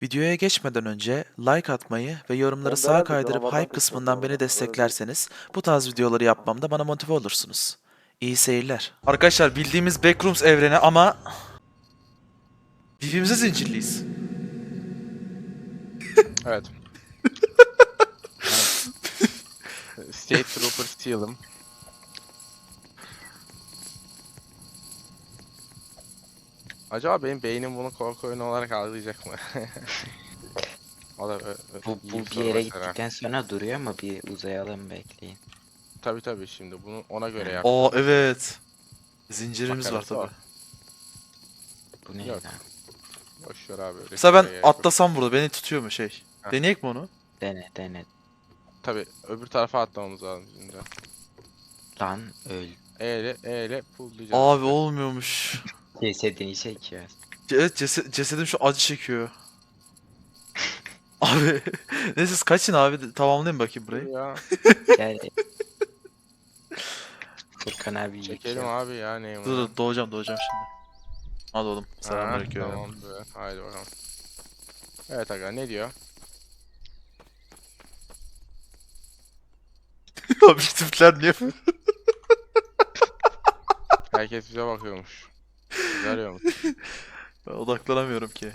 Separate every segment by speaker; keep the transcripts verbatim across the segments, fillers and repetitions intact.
Speaker 1: Videoya geçmeden önce like atmayı ve yorumları
Speaker 2: Ben
Speaker 1: sağa
Speaker 2: herhalde
Speaker 1: kaydırıp
Speaker 2: canavardan
Speaker 1: hype
Speaker 2: kaçıyorum
Speaker 1: kısmından
Speaker 2: bu
Speaker 1: beni
Speaker 2: arada.
Speaker 1: desteklerseniz bu tarz videoları yapmamda bana motive olursunuz. İyi seyirler. Arkadaşlar bildiğimiz Backrooms evreni ama birbirimize zincirliyiz.
Speaker 3: Evet. Ben State Trooper Steel'ım. Acaba benim beynim bunu korku oyunu olarak algılayacak mı? O da ö- ö-
Speaker 4: Bu,
Speaker 3: iyi
Speaker 4: bu
Speaker 3: bir
Speaker 4: bir
Speaker 3: soru
Speaker 4: yere
Speaker 3: mesela.
Speaker 4: gittikten sonra duruyor ama bir uzayalım bekleyin.
Speaker 3: Tabii tabii şimdi bunu ona göre
Speaker 4: Ha.
Speaker 3: yaptım.
Speaker 1: Aa evet. Zincirimiz var
Speaker 3: Makarası
Speaker 1: tabi.
Speaker 3: o.
Speaker 4: Bu ne
Speaker 3: Yok.
Speaker 4: lan?
Speaker 3: Boş ver abi.
Speaker 1: Mesela ben
Speaker 3: riske gerek yok.
Speaker 1: atlasam burada beni tutuyor mu şey?
Speaker 3: Heh.
Speaker 1: Deneyek mi onu?
Speaker 4: Dene dene.
Speaker 3: Tabii öbür tarafa atlamamız lazım şimdi.
Speaker 4: Lan öl.
Speaker 3: E ile E ile pulllayacağız
Speaker 1: Abi
Speaker 3: işte.
Speaker 1: olmuyormuş.
Speaker 4: Cesedini çekiyor.
Speaker 1: Evet cese- cesedim şu acı çekiyor. Abi neyse siz kaçın abi tamamlayayım bakayım
Speaker 3: Dur
Speaker 1: burayı.
Speaker 3: ya.
Speaker 4: Gel. Furkan abi
Speaker 3: Çekelim
Speaker 4: yıkıyor.
Speaker 3: abi ya neyim
Speaker 1: Dur dur doğacağım doğacağım şimdi. Hadi oğlum
Speaker 3: Ha,
Speaker 1: selamünaleyküm.
Speaker 3: tamam be. Haydi bakalım. Evet aga ne diyor?
Speaker 1: Abi şu tipler niye?
Speaker 3: Herkes bize bakıyormuş. Bizi arıyormuş.
Speaker 1: Ben odaklanamıyorum ki.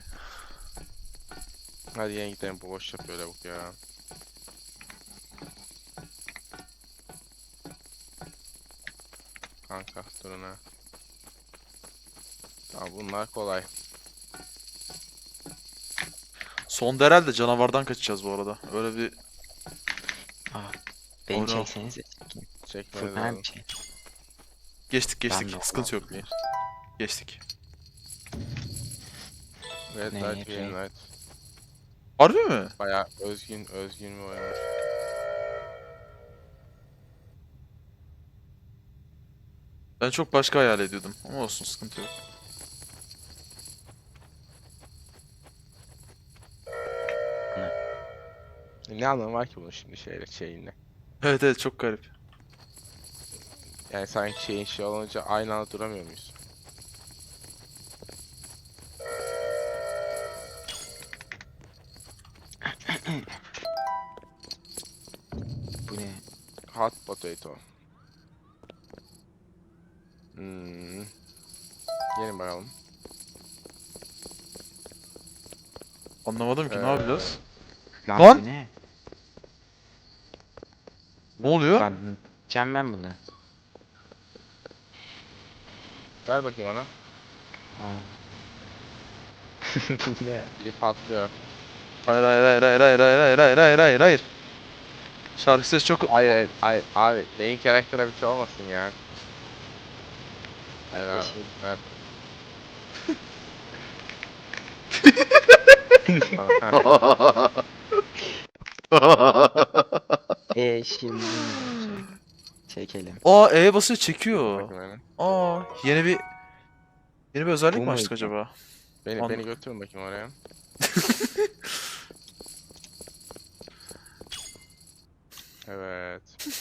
Speaker 3: Hadi yeni gidelim bu boş yapıyor lavuk ya. Kanka durun ha. Tamam bunlar kolay.
Speaker 1: Son herhalde canavardan kaçacağız bu arada. Öyle bir
Speaker 4: Aa, beni
Speaker 1: Doğru.
Speaker 4: çeksenize.
Speaker 3: Çekmeniz
Speaker 4: Furkan abi
Speaker 3: lazım.
Speaker 4: çek.
Speaker 1: geçtik
Speaker 4: Ben
Speaker 1: geçtik.
Speaker 4: de
Speaker 1: Sıkıntı yok. Geçtik.
Speaker 3: Red
Speaker 4: Ne,
Speaker 3: light, green
Speaker 4: red?
Speaker 3: light.
Speaker 1: Harbi mi?
Speaker 3: Bayağı özgün özgün bir oyun.
Speaker 1: Ben çok başka hayal ediyordum. Ama olsun sıkıntı yok.
Speaker 3: Ne anlamı var ki bunun şimdi şeyle şeyinle?
Speaker 1: Evet evet çok garip.
Speaker 3: Yani sanki şeyin şey olunca aynı anda duramıyor muyuz?
Speaker 4: Bu ne?
Speaker 3: Hot potato. Hmm. Gelin bakalım.
Speaker 1: Anlamadım ki ne
Speaker 3: Ee,
Speaker 1: yapacağız?
Speaker 4: Lan,
Speaker 1: Lan!
Speaker 4: bu ne?
Speaker 1: Ne oluyor?
Speaker 4: Lan yiyeceğim ben bunu.
Speaker 3: Ver bakayım ona.
Speaker 4: Aa. Bu ne?
Speaker 3: Biri patlıyor.
Speaker 1: Hayır hayır hayır hayır hayır hayır hayır hayır hayır hayır hayır. Şarkı sesi çok...
Speaker 3: Hayır hayır hayır abi main karaktere bir şey olmasın ya. Hayır abi. Ver.
Speaker 4: Eee şimdi ne olacak? Çekelim.
Speaker 1: Aa E'ye basıyor çekiyor.
Speaker 3: Bakayım öyle.
Speaker 1: Aa yeni bir... Yeni bir özellik
Speaker 4: Bu
Speaker 1: mi açtık
Speaker 4: muydu?
Speaker 1: acaba?
Speaker 3: Beni
Speaker 1: An-
Speaker 3: beni götürün bakayım oraya. Evet.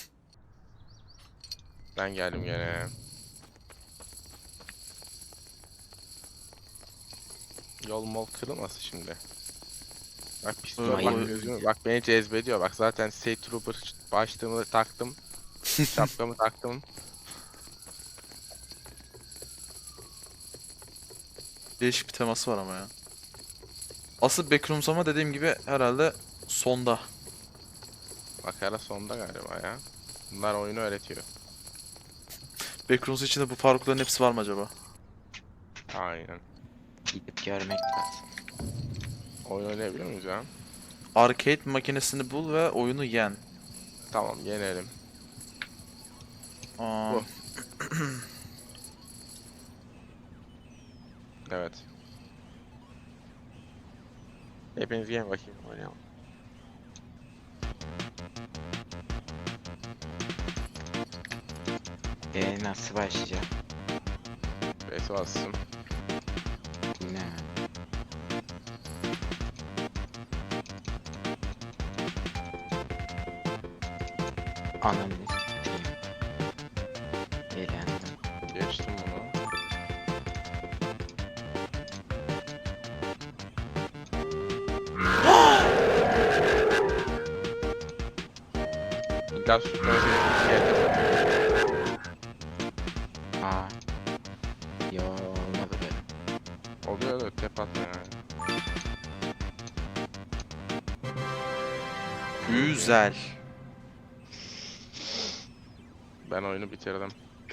Speaker 3: Ben geldim gene. Yol mol kırılmasın şimdi. Bak pistol
Speaker 1: Evet,
Speaker 3: bak
Speaker 1: o-
Speaker 3: gözümü bak beni cezbediyor bak zaten State Trooper başlığımı taktım. Şapkamı taktım.
Speaker 1: Değişik bir teması var ama ya. Asıl Backrooms ama dediğim gibi herhalde sonda.
Speaker 3: Makara sonda galiba ya. Bunlar oyunu öğretiyor.
Speaker 1: Backrooms içinde bu parkurların hepsi var mı acaba?
Speaker 3: Aynen.
Speaker 4: Gidip görmek lazım.
Speaker 3: Oyun oynayabiliyor muyuz ya?
Speaker 1: Arcade makinesini bul ve oyunu yen.
Speaker 3: Tamam yenelim.
Speaker 1: Aa,
Speaker 3: Bu. Evet. Hepiniz gelin bakayım oynayalım.
Speaker 4: Eee nasıl başlayacağım?
Speaker 3: Base bastım.
Speaker 4: Bu ne? Ananı sikeyim. Eğlendim.
Speaker 3: Geçtim bunu. Biraz sürtmesi yedim.
Speaker 4: Aa. Yo olmadı be.
Speaker 3: Oluyor da tep atma yani.
Speaker 1: Güzel.
Speaker 3: Ben oyunu bitirdim.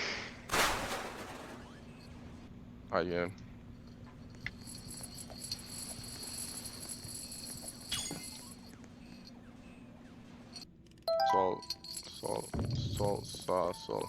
Speaker 3: Hayır. Sol, sol, sol, sağ, sol.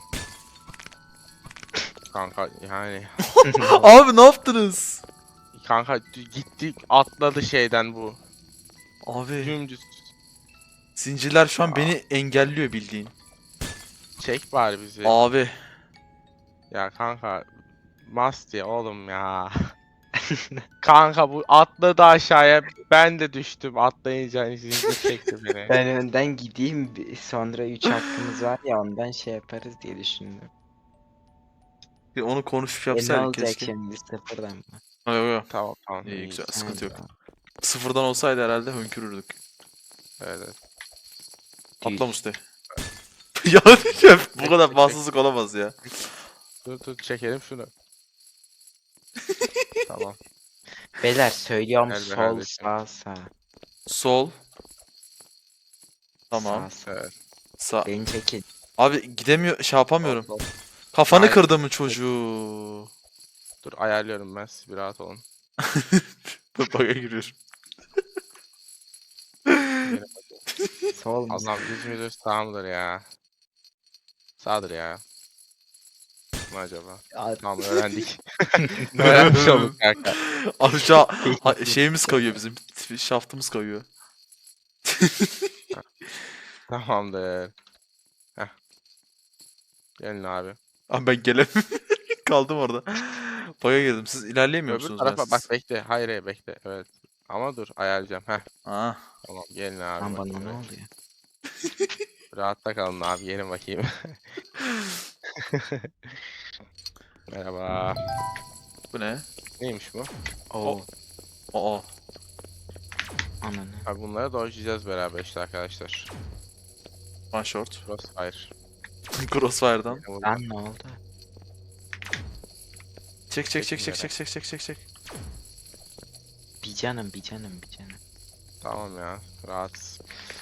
Speaker 3: Kanka yani
Speaker 1: Abi ne yaptınız?
Speaker 3: kanka gitti atladı şeyden bu.
Speaker 1: Abi
Speaker 3: Dümdüz
Speaker 1: zincirler şu an
Speaker 3: Aa.
Speaker 1: beni engelliyor bildiğin.
Speaker 3: çek bari bizi.
Speaker 1: Abi
Speaker 3: Ya kanka Masti oğlum ya. Kanka bu atladı aşağıya. Ben de düştüm. Atlayınca zincir çekti beni.
Speaker 4: Ben önden gideyim bir- sonra üç hakkımız var ya ondan şey yaparız diye düşündüm.
Speaker 1: bir onu konuşup
Speaker 4: E ne
Speaker 1: yapsaydık
Speaker 4: olacak
Speaker 1: keşke.
Speaker 4: şimdi sıfırdan mı?
Speaker 1: Ha, yok yok.
Speaker 3: Tamam tamam.
Speaker 1: İyi
Speaker 3: iyi.
Speaker 1: güzel,
Speaker 4: Ha,
Speaker 1: sıkıntı yok.
Speaker 4: tamam.
Speaker 1: Sıfırdan olsaydı herhalde hönkürürdük.
Speaker 3: Evet, evet.
Speaker 1: Atla
Speaker 4: Düz.
Speaker 1: Mustafa. Ya diyeceğim, bu kadar bahtsızlık olamaz ya.
Speaker 3: Dur dur çekelim şunu. Tamam.
Speaker 4: Beyler söylüyorum
Speaker 3: Gel be
Speaker 4: sol
Speaker 3: kardeşim.
Speaker 4: sağ sağ.
Speaker 1: Sol. Tamam.
Speaker 4: Sağ sağ.
Speaker 3: Evet.
Speaker 1: Sağ.
Speaker 4: Beni çekin.
Speaker 1: Abi gidemiyor, şey yapamıyorum.
Speaker 3: Sol, sol.
Speaker 1: Kafanı
Speaker 3: Hayır.
Speaker 1: kırdı mı çocuğu?
Speaker 3: Dur ayarlıyorum ben siz bir rahat olun.
Speaker 1: Baka giriyorum.
Speaker 3: Yine
Speaker 4: Sol mu?
Speaker 3: Allah'ım düz müdür sağ mıdır ya? Sağdır ya. Ne acaba?
Speaker 4: Aa,
Speaker 3: Tamam öğrendik. Öğrenmiş olduk kanka.
Speaker 1: Abi şu an ha- şeyimiz kayıyor bizim. Şaftımız kayıyor.
Speaker 3: Tamamdır. Heh. Gelin abi.
Speaker 1: Abi ben gelemiyorum. Kaldım orada. Baka girdim. Siz ilerleyemiyor
Speaker 3: Öbür
Speaker 1: musunuz
Speaker 3: tarafa
Speaker 1: bensiz?
Speaker 3: bak bekle. Hayır hayır bekle. Evet. Ama dur ayarlayacağım. Heh.
Speaker 1: Aa.
Speaker 3: Tamam gelin abi.
Speaker 4: lan bana
Speaker 3: bakayım.
Speaker 4: ne oluyor?
Speaker 3: Rahatta kalın abi. Gelin bakayım. Merhaba.
Speaker 1: Bu ne?
Speaker 3: Neymiş bu?
Speaker 4: Oo.
Speaker 1: Aa.
Speaker 4: Ananı.
Speaker 3: Abi bunları dojlayacağız beraber işte arkadaşlar.
Speaker 1: One short.
Speaker 3: Crossfire.
Speaker 1: Crossfire'dan.
Speaker 3: Yine vurdu.
Speaker 4: Lan ne oldu?
Speaker 1: Çek çek çek çek
Speaker 3: Çekin
Speaker 1: çek çek çek çek çek.
Speaker 4: Bir canım bir canım bir canım.
Speaker 3: Tamam ya. Rahat.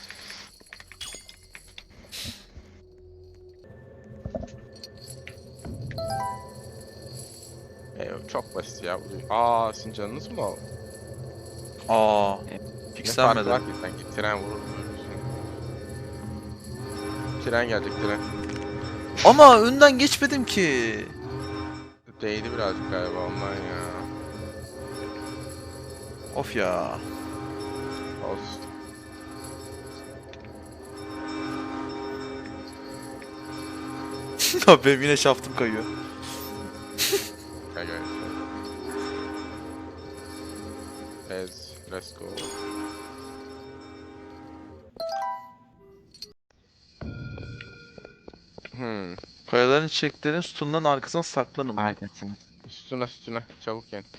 Speaker 3: Ee, çok basit ya. bu- Aa sizin canınız mı o?
Speaker 1: Aa.
Speaker 3: Ne farkı var
Speaker 1: Fixlenmedi.
Speaker 3: ki sanki tren vurur. Tren gelecek tren.
Speaker 1: Ama önden geçmedim ki.
Speaker 3: Değdi birazcık galiba ondan ya.
Speaker 1: Of ya.
Speaker 3: Olsun.
Speaker 1: Abi benim yine şaftım kayıyor.
Speaker 3: Gel gel. Let's, let's go. Hmm.
Speaker 1: Kayaların çiçeklerin sütunların arkasına saklanın.
Speaker 4: Arkasını.
Speaker 3: Üstüne üstüne çabuk yen.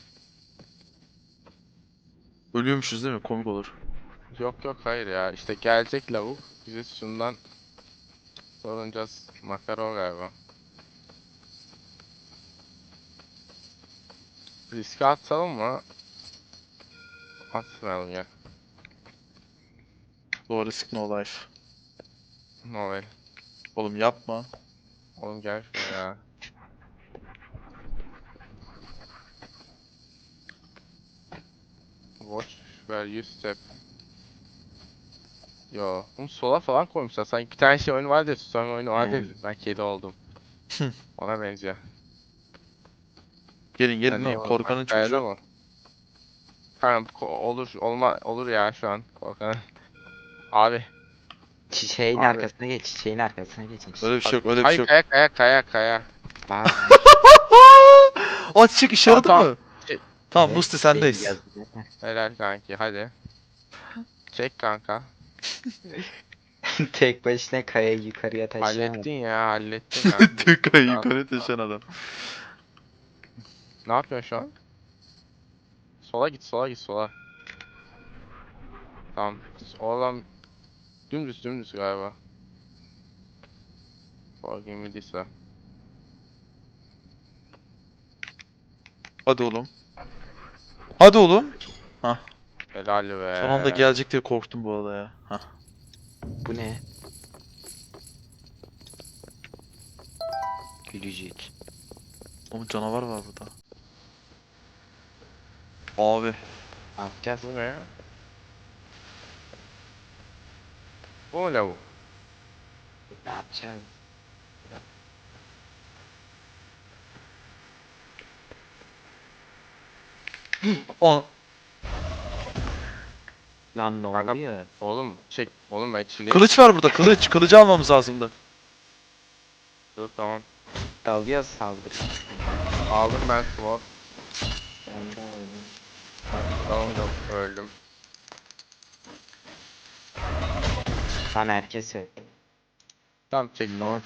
Speaker 1: Ölüyormuşuz değil mi? Komik olur.
Speaker 3: Yok yok hayır ya işte gelecek lavuk bize şundan sorunacağız makara o galiba. Riske atalım mı? Atmayalım ya.
Speaker 1: Doğru risk no life.
Speaker 3: Noel.
Speaker 1: Oğlum yapma.
Speaker 3: Oğlum gel şuraya ya. Watch where you step. Yo, bunu sola falan koymuşlar. Sanki bir tane şey oyunu vardı ya, susam oyunu vardı ya.
Speaker 4: Hmm.
Speaker 3: Ben kedi oldum. Ona benziyor.
Speaker 1: Gelin gelin
Speaker 3: Sen niye
Speaker 1: oğlum.
Speaker 3: bunu-
Speaker 1: Korkanın
Speaker 3: Kayada
Speaker 1: çocuğu.
Speaker 3: mı? Tamam ko- olur olma olur ya şu an korkan. Abi.
Speaker 4: Çiçeğin
Speaker 3: Abi.
Speaker 4: arkasına geç. Çiçeğin arkasına geçin.
Speaker 1: Öyle bir şey yok, öyle bir
Speaker 3: Hayır,
Speaker 1: şey yok.
Speaker 3: kaya kaya kaya kaya.
Speaker 4: Bak.
Speaker 1: Aa çiçek işe yaradı
Speaker 3: Tamam,
Speaker 1: mı?
Speaker 3: Şey-
Speaker 1: Tamam
Speaker 4: Evet,
Speaker 1: Musti
Speaker 4: çiçeğin
Speaker 1: sendeyiz.
Speaker 4: yazılı.
Speaker 3: Helal kanki hadi. Çek kanka.
Speaker 4: Tek başına kayayı yukarıya taşıyamadı.
Speaker 3: Hallettin ya hallettin kanka.
Speaker 1: Tük ayı yukarı taşıyan adam.
Speaker 3: Ne yapıyorsun şu an? Sola git sola git sola. Tamam. Oradan dümdüz dümdüz galiba. Forgive me Lisa.
Speaker 1: Hadi oğlum. Hadi oğlum. Hah.
Speaker 3: Helal be.
Speaker 1: Son anda gelecek diye korktum bu arada ya. Hah.
Speaker 4: Bu ne? Gülücük.
Speaker 1: Oğlum canavar var burada. Abi.
Speaker 4: Ne yapacağız?
Speaker 3: Bu ne? Bu mu lavuk?
Speaker 4: Ne yapacağız?
Speaker 1: O.
Speaker 4: Lan ne
Speaker 3: Kanka-
Speaker 4: oluyor?
Speaker 3: Oğlum çek. Oğlum ben şimdi...
Speaker 1: Kılıç var burada kılıç. Kılıcı almamız lazımdı.
Speaker 3: Dur tamam.
Speaker 4: Dalıyor saldırı.
Speaker 3: Aldım ben sword.
Speaker 4: Ben de öldüm.
Speaker 3: Tamam da öldüm.
Speaker 4: Lan herkes öldü.
Speaker 3: Tamam çek.
Speaker 4: Ne oldu?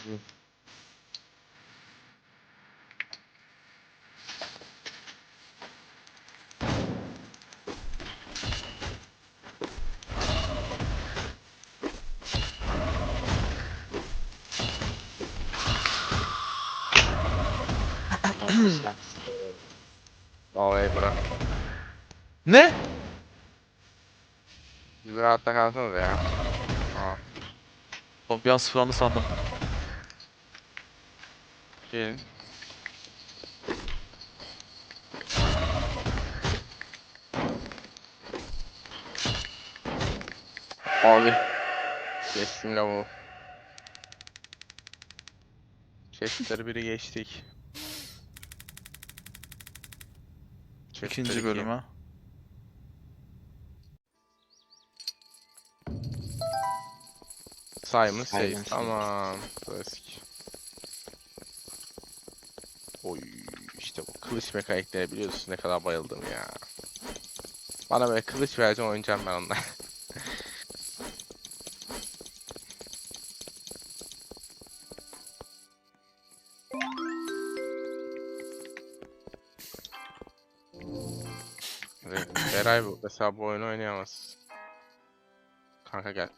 Speaker 4: Arkadaşlar.
Speaker 3: Vallahi bırak.
Speaker 1: Ne?
Speaker 3: Bir rahatta kalsanız ya. Aa.
Speaker 1: Oğlum bir an sıfırlandı sandım.
Speaker 3: Gelin.
Speaker 1: Abi.
Speaker 3: Geçtim lavuğu. Chestleri biri geçtik. Chestler
Speaker 1: İkinci
Speaker 3: iki.
Speaker 1: bölüme.
Speaker 3: Simon
Speaker 4: Simon
Speaker 3: Says.
Speaker 4: Says.
Speaker 3: Tamam. Klasik. Oy işte bu kılıç mekanikleri biliyorsun ne kadar bayıldım ya. Bana böyle kılıç vereceğim oynayacağım ben onunla. Beray bu mesela bu oyunu oynayamaz. Kanka gel.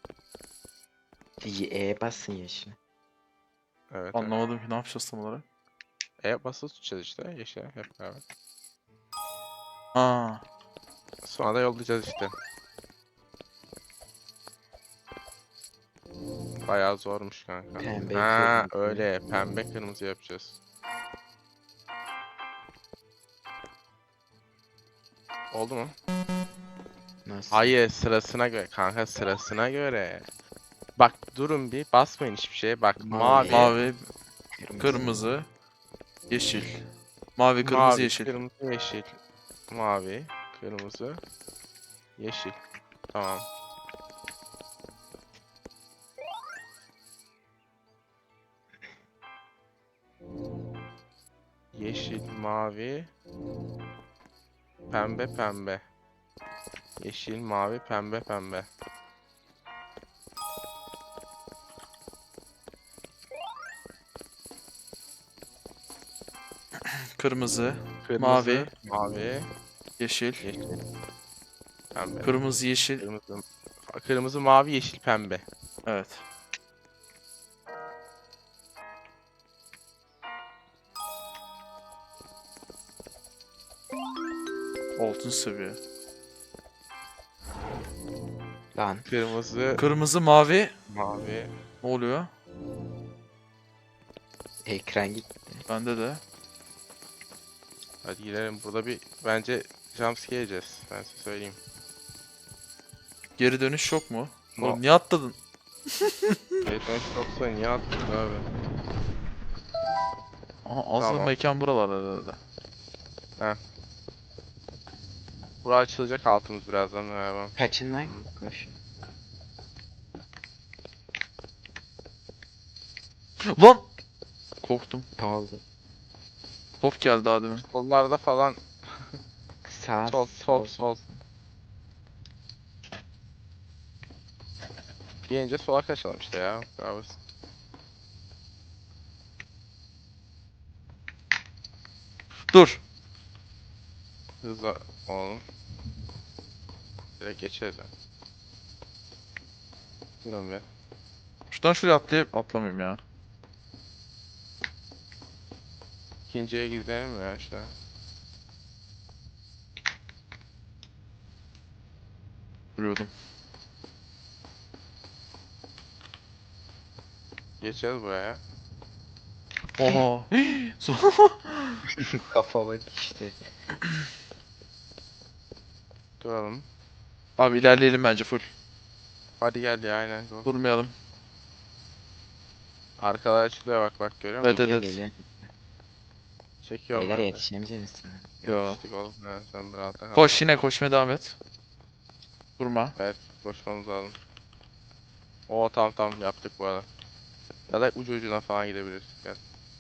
Speaker 4: E basın yaşını.
Speaker 3: Evet. evet.
Speaker 1: Anlamadım ki ne yapacağız tam olarak.
Speaker 3: E basılı tutacağız işte yeşil hep beraber.
Speaker 1: Ha.
Speaker 3: Sonra da yollayacağız işte. Bayağı zormuş kanka.
Speaker 4: Pembe,
Speaker 3: Ha
Speaker 4: kırmızı.
Speaker 3: öyle pembe kırmızı yapacağız. Oldu mu?
Speaker 4: Nasıl?
Speaker 3: Hayır sırasına göre kanka sırasına göre. Bak durun bir basmayın hiçbir şeye bak mavi,
Speaker 4: Mavi.
Speaker 1: Mavi,
Speaker 4: Kırmızı.
Speaker 1: kırmızı, yeşil. Mavi, kırmızı,
Speaker 3: mavi,
Speaker 1: yeşil.
Speaker 3: kırmızı, yeşil, mavi, kırmızı, yeşil. Tamam. Yeşil, mavi, pembe, pembe. Yeşil, mavi, pembe, pembe.
Speaker 1: Kırmızı,
Speaker 3: Kırmızı,
Speaker 1: Mavi.
Speaker 3: mavi,
Speaker 1: yeşil.
Speaker 3: yeşil, pembe.
Speaker 1: Kırmızı, yeşil.
Speaker 3: Kırmızı, kırmızı, mavi, yeşil, pembe.
Speaker 1: Evet. Altın seviye.
Speaker 4: Lan.
Speaker 3: Kırmızı,
Speaker 1: Kırmızı, mavi.
Speaker 3: mavi.
Speaker 1: Ne oluyor?
Speaker 4: Ekran gitti.
Speaker 1: Bende de.
Speaker 3: Hadi gidelim. Burada bir bence jumpscare yiyeceğiz. Ben size söyleyeyim.
Speaker 1: Geri dönüş yok mu?
Speaker 3: No.
Speaker 1: Oğlum niye atladın?
Speaker 3: Batman yoksa niye attık abi?
Speaker 1: Aha, az
Speaker 3: Tamam.
Speaker 1: mekan buralarda herhalde.
Speaker 3: Bura açılacak altımız birazdan galiba.
Speaker 4: Kaçın lan. Koş.
Speaker 1: Lan! Korktum.
Speaker 4: Ne oldu?
Speaker 1: Top geldi daha demin.
Speaker 3: Sollarda falan.
Speaker 4: Sağ.
Speaker 3: Sol, sol, sol. Gelince sola kaçalım işte ya. Bravo.
Speaker 1: Dur.
Speaker 3: Hızla oğlum. Direkt geçeriz. Yani. Durun bir.
Speaker 1: Şuradan şuraya atlayıp atlamayayım ya.
Speaker 3: ikinciye gidelim ya işte.
Speaker 1: Duruyordum.
Speaker 3: Geçeceğiz buraya.
Speaker 1: Oha. Su-
Speaker 4: Kafama düştü.
Speaker 3: Duralım.
Speaker 1: Abi ilerleyelim bence full.
Speaker 3: Hadi gel ya aynen. Go.
Speaker 1: Durmayalım.
Speaker 3: Arkalar açılıyor bak bak görüyor musun?
Speaker 1: Evet evet.
Speaker 4: Geliyor
Speaker 1: evet.
Speaker 4: geliyor.
Speaker 3: Çekiyorum
Speaker 4: Beyler
Speaker 3: ben de.
Speaker 4: yetişemeyeceğiz misiniz?
Speaker 1: Yo.
Speaker 3: Yetiştik oğlum. Ya, sen de rahatta kal.
Speaker 1: Koş yine koşmaya devam et. Durma.
Speaker 3: Evet koşmamız lazım. Oo tamam tamam yaptık bu arada. Ya da ucu ucuna falan gidebiliriz. Gel.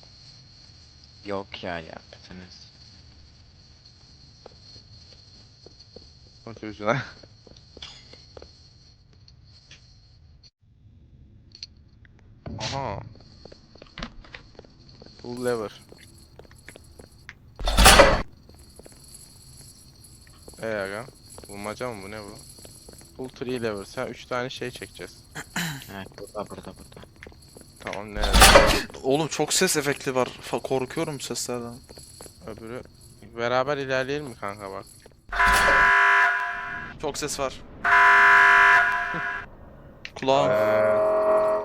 Speaker 4: Yok ya yaptınız.
Speaker 3: Ucu ucuna. Aha. Full lever. Eee aga. Bulmaca mı bu ne bu? Full three lever. Sen üç tane şey çekeceğiz.
Speaker 4: Evet burada burada burada.
Speaker 3: Tamam ne?
Speaker 1: Oğlum çok ses efekti var. Fa- Korkuyorum bu seslerden.
Speaker 3: Öbürü. Beraber ilerleyelim mi kanka bak.
Speaker 1: Çok ses var. Kulağım.
Speaker 3: Ee,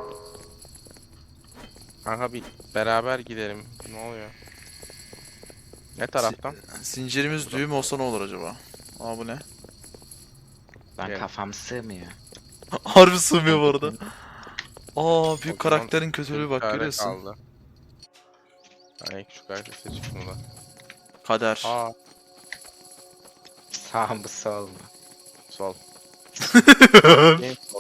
Speaker 3: Kanka bir beraber gidelim. Ne oluyor? Ne taraftan?
Speaker 1: Zincirimiz düğüm olsa ne olur acaba? Aa bu ne?
Speaker 4: Lan
Speaker 3: Gel.
Speaker 4: kafam sığmıyor.
Speaker 1: Harbi sığmıyor bu arada. Aa büyük
Speaker 3: O zaman
Speaker 1: karakterin kötülüğü bak
Speaker 3: Çare
Speaker 1: görüyorsun.
Speaker 3: kaldı. Yani küçük harita seçip bunu da.
Speaker 1: Kader.
Speaker 3: Aa
Speaker 4: Sağ mı sol mu?
Speaker 3: sol. Game sol.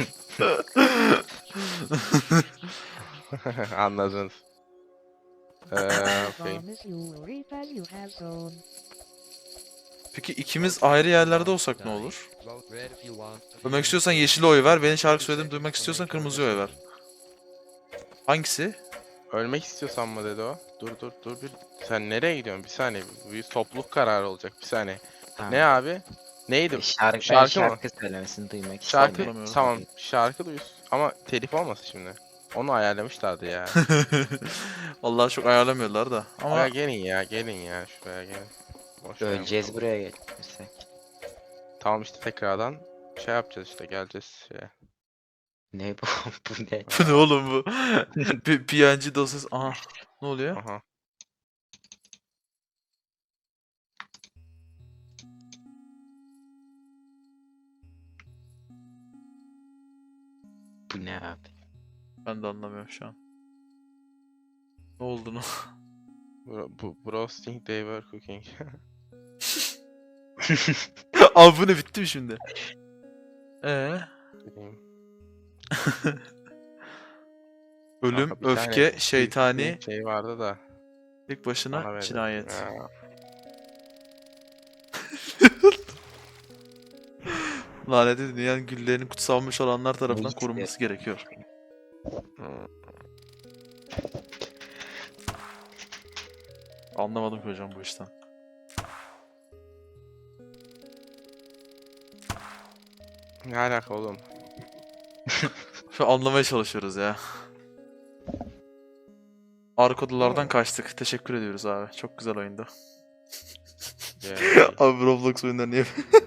Speaker 3: Anladınız. Eee okey.
Speaker 2: Promise you will reap as you have sown.
Speaker 1: Peki ikimiz ayrı yerlerde olsak ne olur? Duymak istiyorsan yeşil oy ver. Benim şarkı söylediğimi duymak istiyorsan kırmızı oy ver. Hangisi?
Speaker 3: Ölmek istiyorsan mı dedi o? Dur dur dur bir. Sen nereye gidiyorsun? Bir saniye. Bu bir topluluk kararı olacak. Bir saniye.
Speaker 4: Tamam.
Speaker 3: Ne abi? Neydi?
Speaker 4: Şarkı, ben
Speaker 3: Şarkı
Speaker 4: şarkı,
Speaker 3: mı?
Speaker 4: söylemesini duymak
Speaker 3: Şarkı
Speaker 4: istemiyorum.
Speaker 3: tamam. Şarkı duyuz. Ama telif olmasın şimdi. Onu ayarlamışlardı ya.
Speaker 1: Vallahi çok ayarlamıyorlar da. Ama
Speaker 3: Ama gelin ya gelin ya şuraya gelin. Boş ver
Speaker 4: Öleceğiz
Speaker 3: bakalım.
Speaker 4: buraya geçmişsek.
Speaker 3: Tamam işte tekrardan şey yapacağız işte geleceğiz şeye.
Speaker 4: Ne bu? Bu ne?
Speaker 1: bu ne oğlum bu? Bir P N G dosyası. Aha. Ne oluyor?
Speaker 3: Aha.
Speaker 4: Bu ne abi?
Speaker 1: Ben de anlamıyorum şu an. Ne olduğunu.
Speaker 3: Bro, bu roasting they were cooking.
Speaker 1: Abi bu ne bitti mi şimdi? Ee?
Speaker 3: Bileyim.
Speaker 1: Ölüm,
Speaker 3: Kanka bir tane
Speaker 1: öfke, şeytani,
Speaker 3: bir şey vardı da.
Speaker 1: tek
Speaker 3: Bana
Speaker 1: başına
Speaker 3: verin.
Speaker 1: cinayet.
Speaker 3: Ya.
Speaker 1: Lanetli dünyanın güllerinin kutsanmış olanlar tarafından
Speaker 4: işte.
Speaker 1: korunması gerekiyor.
Speaker 3: Hmm.
Speaker 1: Anlamadım ki hocam bu işten.
Speaker 3: Ne alaka oğlum?
Speaker 1: Şu an anlamaya çalışıyoruz ya. Arka odalardan kaçtık. Teşekkür ediyoruz abi. Çok güzel oyundu.
Speaker 3: Yani,
Speaker 1: Abi Roblox oyunları niye